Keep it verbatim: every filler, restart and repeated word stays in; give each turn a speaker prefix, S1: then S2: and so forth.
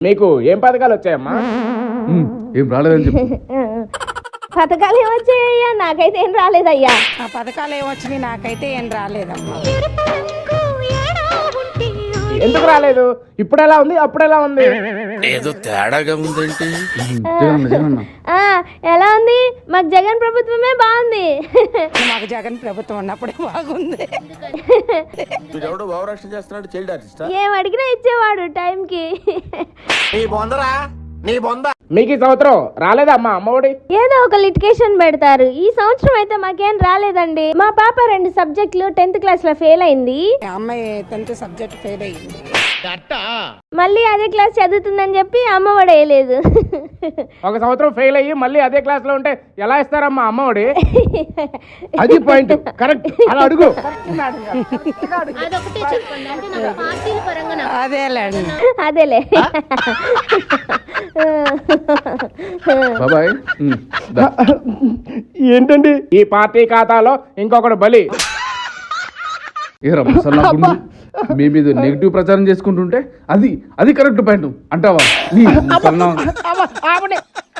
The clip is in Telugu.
S1: మీకు ఏం పథకాలు వచ్చాయమ్మా?
S2: ఏం రాలేదని చెప్పు.
S3: పథకాలు ఏమొచ్చాయ్యా? నాకైతే ఏం రాలేదయ్యా.
S4: ఆ పథకాలు ఏమొచ్చినాయి? నాకైతే ఏం రాలేదమ్మా.
S1: ఎందుకు రాలేదు? ఇప్పుడు ఎలా ఉంది, అప్పుడు ఎలా ఉంది?
S5: ఏదో తేడాగా ఉందేంటి?
S2: జగనన్న జగనన్న
S3: ఆ, ఎలా ఉంది? మాకు జగన్ ప్రభుత్వమే బాగుంది.
S4: మాకు జగన్ ప్రభుత్వం ఉన్నప్పుడే బాగుంది.
S5: వీడెవడో భావరక్షణ చేస్తున్నాడు, చైల్డ్ ఆర్టిస్టా?
S3: ఏం అడిగినా ఇచ్చేవాడు టైంకి.
S1: మీకు ఈ సంవత్సరం రాలేదా అమ్మా అమ్మఒడి?
S3: ఏదో ఒక లిటికేషన్ పెడతారు. ఈ సంవత్సరం అయితే మాకేం రాలేదండి. మా పాప రెండు సబ్జెక్టులు టెన్త్ క్లాస్ లో ఫెయిల్ అయింది.
S4: ఆ అమ్మాయి టెన్త్ సబ్జెక్ట్ ఫెయిల్ అయ్యింది.
S3: మళ్ళీ అదే క్లాస్ చదువుతుందని చెప్పి అమ్మఒడి వేయలేదు.
S1: ఒక సంవత్సరం ఫెయిల్ అయ్యి మళ్ళీ అదే క్లాస్ లో ఉంటే ఎలా ఇస్తారమ్మా అమ్మఒడి? అది పాయింట్, కరెక్ట్. అలా అడుగు.
S4: అదేలేండి.
S3: అదేలే.
S2: బాబాయ్ ఉమ్, దా.
S1: ఏంటండి ఈ పార్టీ ఖాతాలో ఇంకొకటి బలి?
S2: ఏ రమ్మ అసలు నా గుండు మీ మీద నెగిటివ్ ప్రచారం చేసుకుంటుంటే అది అది కరెక్ట్ పాయింట్ అంటావా? నీ అసలు నా-
S1: ఆపండి.